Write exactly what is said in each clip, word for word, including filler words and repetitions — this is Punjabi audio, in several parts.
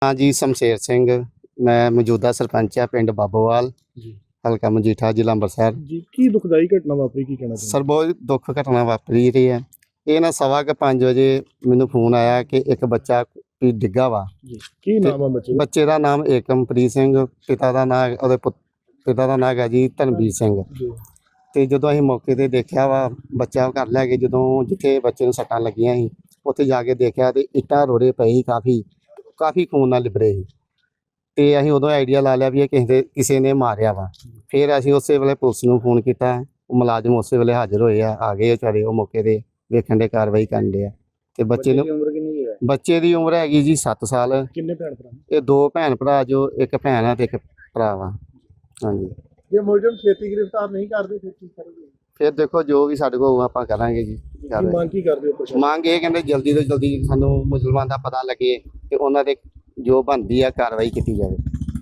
हाँ जी, शमशेर सिंह। मैं मौजूदा सरपंच आ पिंड बाबोवाल, ਜੀ हल्का मजीठा, जिला अंबरसर। ਜੀ ਕੀ ਦੁਖਦਾਈ ਘਟਨਾ ਵਾਪਰੀ ਕੀ ਕਹਿਣਾ ਸਰ ਚਾਹੁੰਦੇ ਬਹੁਤ ਦੁੱਖ ਘਟਨਾ ਵਾਪਰੀ ਰਹੀ ਹੈ। ਇਹ ਨਾ ਸਵਾ ਕੁ ਪੰਜ ਵਜੇ ਮੈਨੂੰ ਫੋਨ ਆਇਆ ਕਿ ਇੱਕ ਬੱਚਾ ਵੀ ਡਿੱਗਾ ਵਾ। ਜੀ ਕੀ ਨਾਮ ਆ ਬੱਚੇ ਦਾ ਬੱਚੇ ਦਾ ਨਾਮ ਏਕਮਪ੍ਰੀਤ ਸਿੰਘ, ਪਿਤਾ ਦਾ ਨਾਮ ਉਹਦੇ ਪੁੱਤ ਪਿਤਾ ਦਾ ਨਾਮ ਹੈਗਾ ਜੀ ਧਨਵੀਰ ਸਿੰਘ। ਜੀ ਤੇ ਜਦੋਂ ਅਸੀਂ ਮੌਕੇ ਤੇ ਦੇਖਿਆ ਵਾ, ਬੱਚਾ ਘਰ ਲੈ ਕੇ ਜਦੋਂ ਜਿੱਥੇ ਬੱਚੇ ਨੂੰ ਸੱਟਾਂ ਲੱਗੀਆਂ ਸੀ ਉੱਥੇ ਜਾ ਕੇ ਦੇਖਿਆ ਤੇ ਇੱਟਾਂ ਰੋੜੇ ਪਏ ਸੀ, ਕਾਫੀ ਕਾਫੀ ਖੂਨ ਨਾਲ ਲਿਬੜੇ ਸੀ। ਤੇ ਅਸੀਂ ਉਦੋਂ ਆਈਡੀਆ ਲਾ ਲਿਆ ਵੀ ਇਹ ਕਿਸੇ ਦੇ ਕਿਸੇ ਨੇ ਮਾਰਿਆ ਵਾ। ਫਿਰ ਅਸੀਂ ਉਸੇ ਵੇਲੇ ਪੁਲਿਸ ਨੂੰ ਫੋਨ ਕੀਤਾ, ਉਹ ਮੁਲਾਜ਼ਮ ਉਸੇ ਵੇਲੇ ਹਾਜ਼ਰ ਹੋਏ ਆ ਆ ਗਏ ਵਿਚਾਰੇ, ਉਹ ਮੌਕੇ ਤੇ ਵੇਖਣ ਦੇ ਕਾਰਵਾਈ ਕਰਨ ਦੇ ਆ। ਤੇ ਬੱਚੇ ਨੂੰ ਦੀ ਉਮਰ ਕਿੰਨੀ ਹੈ ਬੱਚੇ ਦੀ ਉਮਰ ਹੈਗੀ ਜੀ ਸੱਤ ਸਾਲ। ਕਿੰਨੇ ਭੈਣ ਭਰਾ ਇਹ ਦੋ ਭੈਣ ਭਰਾ, ਜੋ ਇੱਕ ਭੈਣ ਆ ਤੇ ਇੱਕ ਭਰਾ ਵਾ। ਹਾਂਜੀ, ਜੇ ਮੁਲਜ਼ਮ ਛੇਤੀ ਗ੍ਰਿਫਤਾਰ ਨਹੀਂ ਕਰਦੇ ਫਿਰ ਕੀ ਕਰੋਗੇ ਫਿਰ ਦੇਖੋ ਜੋ ਵੀ ਸਾਡੇ ਕੋਲ ਆਪਾਂ ਕਰਾਂਗੇ ਜੀ। ਕੀ ਕਾਰਵਾਈ। ਮੰਗ ਕੀ ਕਰਦੇ ਹੋ ਪ੍ਰਸ਼ਾਸਨ ਮੰਗ ਇਹ ਕਹਿੰਦੇ ਜਲਦੀ ਤੋਂ ਜਲਦੀ ਸਾਨੂੰ ਮੁਸਲਮਾਨ ਦਾ ਪਤਾ ਲੱਗੇ ਤੇ ਉਹਨਾਂ ਦੇ ਜੋ ਬਣਦੀ ਆ ਕਾਰਵਾਈ ਕੀਤੀ ਜਾਵੇ।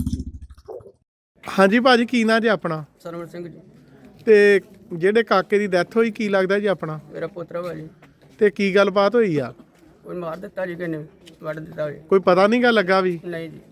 ਹਾਂਜੀ ਭਾਜੀ, ਕੀ ਨਾਂ ਜੀ ਆਪਣਾ? ਸਰਵਣ ਸਿੰਘ ਜੀ, ਤੇ ਜਿਹੜੇ ਕਾਕੇ ਦੀ ਡੈਥ ਹੋਈ ਕੀ ਲੱਗਦਾ ਜੀ ਆਪਣਾ? ਮੇਰਾ ਪੋਤਰਾ ਵਾ ਜੀ। ਤੇ ਕੀ ਗੱਲਬਾਤ ਹੋਈ ਆ? ਕੋਈ ਮਾਰ ਦਿੱਤਾ ਜੀ, ਕਿਨੇ ਵੱਢ ਦਿੱਤਾ ਜੀ? ਕੋਈ ਪਤਾ ਨਹੀਂ ਗਾ ਲੱਗਾ ਵੀ? ਨਹੀਂ ਜੀ,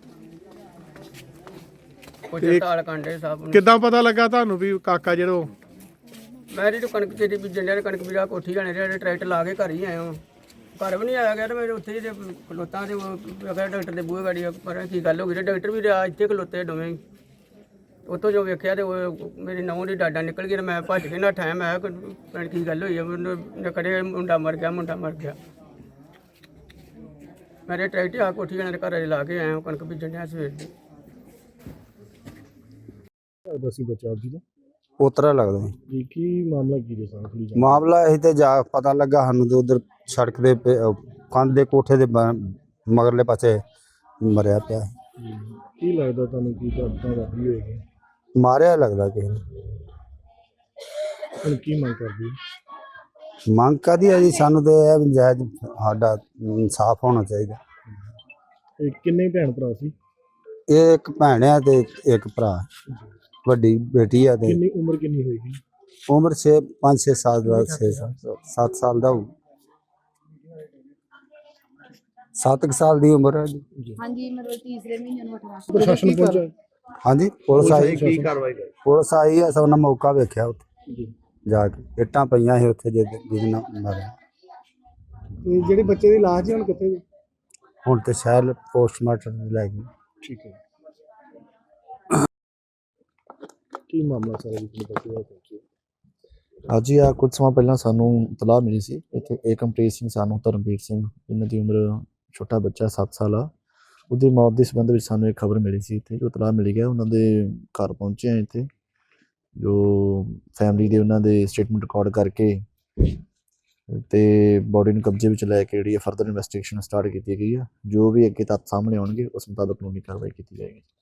ਕੁਝ ਤੇ ਤਾਲ ਕਾਂਡੇ ਸਾਹਿਬ ਨੂੰ। ਕਿੱਦਾਂ ਪਤਾ ਲੱਗਾ ਤੁਹਾਨੂੰ ਵੀ ਕਾਕਾ ਜਿਹੜਾ? ਮੈਂ ਜੀ ਕਣਕ ਤੇਰੀ ਬੀਜਣ ਡਿਆ, ਕਣਕ ਵੀਰਾ ਕੋਠੀ ਜਾਣੇ ਰਿਹਾ, ਟਰੈਕਟਰ ਲਾ ਕੇ ਘਰ ਹੀ ਆਇਆ ਹਾਂ। ਘਰ ਵੀ ਨਹੀਂ ਆਇਆ ਗਿਆ ਤੇ ਮੇਰੇ ਉੱਥੇ ਜੇ ਖਲੋਤਾਂ ਤੇ ਅਗਰ ਡਾਕਟਰ ਦੇ ਬੂਹੇ ਗਾੜੀ ਪਰ ਕੀ ਗੱਲ ਹੋ ਗਈ ਤੇ ਡਾਕਟਰ ਵੀ ਰਿਹਾ ਇੱਥੇ ਖਲੋਤੇ ਦੋਵੇਂ ਹੀ। ਉੱਥੋਂ ਜੋ ਵੇਖਿਆ ਤੇ ਉਹ ਮੇਰੀ ਨਹੁੰ ਦੀ ਡਾਡਾ ਨਿਕਲ ਗਈ ਤੇ ਮੈਂ ਭੱਜ ਕੇ ਨੱਠਾ। ਮੈਂ ਕਿਹਾ ਕੀ ਗੱਲ ਹੋਈ ਆ? ਮੈਨੂੰ ਕਦੇ ਮੁੰਡਾ ਮਰ ਗਿਆ, ਮੁੰਡਾ ਮਰ ਗਿਆ। ਮੇਰੇ ਟਰੈਕਟਰ ਆ ਕੋਠੀ ਜਾਣੇ ਦੇ ਘਰ ਲਾ ਕੇ ਆਇਆ, ਕਣਕ ਬੀਜਣ ਡਿਆ ਸਵੇਰ ਦੀ। ਦੱਸੀ ਬੱਚਾ ਜੀ ਦਾ ਪੋਤਰਾ ਲੱਗਦਾ ਜੀ। ਜੀ ਕੀ ਮਾਮਲਾ ਕੀ ਦੇ ਸਾਹਮਣੇ ਥੋੜੀ ਮਾਮਲਾ ਇਹ ਤੇ ਜਾ ਪਤਾ ਲੱਗਾ ਸਾਨੂੰ ਤੇ ਉਧਰ ਸੜਕ ਦੇ ਪੇ- ਅਹ ਕੰਧ ਦੇ ਕੋਠੇ ਦੇ ਬ- ਮਗਰਲੇ ਪਾਸੇ ਮਰਿਆ ਪਿਆ। ਜੀ ਕੀ ਲੱਗਦਾ ਤੁਹਾਨੂੰ ਕੀ ਘਟਨਾ ਵਾਪਰੀ ਹੋਏਗੀ ਮਾਰਿਆ ਲੱਗਦਾ ਕਿਸੇ ਨੇ। ਹੁਣ ਕੀ ਮੰਗ ਕਰਦੇ ਹੋ? ਮੰਗ ਕਾਹਦੀ ਹੈ ਜੀ? ਸਾਨੂੰ ਤੇ ਇਹ ਵੀ ਜਾਇਜ਼ ਸਾਡਾ ਇਨਸਾਫ ਹੋਣਾ ਚਾਹੀਦਾ। ਇਹ ਕਿੰਨੇ ਭੈਣ ਭਰਾ ਸੀ ਇਹ ਇੱਕ ਭੈਣ ਆ ਤੇ ਇੱਕ ਭਰਾ, ਵੱਡੀ ਬੇਟੀ ਆ ਤੇ ਕਿੰਨੀ ਉਮਰ ਕਿੰਨੀ ਹੋਏਗੀ ਉਮਰ ਛੇ ਪੰਜ ਛੇ ਸਾਲ ਦਾ ਛੇ ਸੱਤ ਸਾਲ ਦਾ ਹੋਊ। ਸੱਤ ਕੁ ਸਾਲ ਦੀ ਉਮਰ ਹੈ ਜੀ। ਹਾਂਜੀ, ਮਤਲਬ ਤੀਸਰੇ ਮਹੀਨੇ ਨੂੰ ਅਠਾਰਾਂ ਪ੍ਰਸ਼ਾਸਨ ਪਹੁੰਚਾ ਹਾਂਜੀ, ਪੁਲਿਸ ਆਈ। ਕੀ ਕਾਰਵਾਈ ਕਰ ਪੁਲਿਸ ਆਈ ਆ, ਸਭ ਨੇ ਮੌਕਾ ਵੇਖਿਆ ਉੱਥੇ ਜੀ ਜਾ ਕੇ। ਇੱਟਾਂ ਪਈਆਂ ਸੀ ਉੱਥੇ ਜਿਹਦੇ ਜਿਹਦੇ ਨਾਲ ਮਾਰਿਆ। ਤੇ ਜਿਹੜੇ ਬੱਚੇ ਦੀ ਲਾਸ਼ ਜੀ ਹੁਣ ਕਿੱਥੇ ਜੀ? ਹੁਣ ਤੇ ਸ਼ਾਇਦ ਪੋਸਟਮਾਰਟਮ ਲੈ ਗਏ। ਠੀਕ ਹੈ ਕੀ ਮਾਮਲਾ ਸਾਰਾ ਜੀ ਬੱਚੇ ਦਾ ਪਹੁੰਚੇ? ਅੱਜ ਹੀ ਆ ਕੁਝ ਸਮਾਂ ਪਹਿਲਾਂ ਸਾਨੂੰ ਇਤਲਾਹ ਮਿਲੀ ਸੀ ਇੱਥੇ ਏਕਮਪ੍ਰੀਤ ਸਿੰਘ ਸਾਨੂੰ ਧਰਮਵੀਰ ਸਿੰਘ, ਇਹਨਾਂ ਦੀ ਉਮਰ ਛੋਟਾ ਬੱਚਾ ਸੱਤ ਸਾਲ ਆ, ਉਹਦੀ ਮੌਤ ਦੇ ਸੰਬੰਧ ਵਿੱਚ ਸਾਨੂੰ ਇੱਕ ਖਬਰ ਮਿਲੀ ਸੀ। ਇੱਥੇ ਜੋ ਇਤਲਾਹ ਮਿਲੀ ਗਿਆ ਉਹਨਾਂ ਦੇ ਘਰ ਪਹੁੰਚੇ ਆ ਇੱਥੇ, ਜੋ ਫੈਮਿਲੀ ਦੇ ਉਹਨਾਂ ਦੇ ਸਟੇਟਮੈਂਟ ਰਿਕਾਰਡ ਕਰਕੇ ਤੇ ਬੋਡੀ ਨੂੰ ਕਬਜ਼ੇ ਵਿੱਚ ਲੈ ਕੇ ਜਿਹੜੀ ਫਰਦਰ ਇਨਵੈਸਟੀਗੇਸ਼ਨ ਸਟਾਰਟ ਕੀਤੀ ਗਈ ਆ। ਜੋ ਵੀ ਅੱਗੇ ਤੱਥ ਸਾਹਮਣੇ ਆਉਣਗੇ ਉਸ ਮੁਤਾਬਕ ਕਾਨੂੰਨੀ ਕਾਰਵਾਈ ਕੀਤੀ ਜਾਏਗੀ।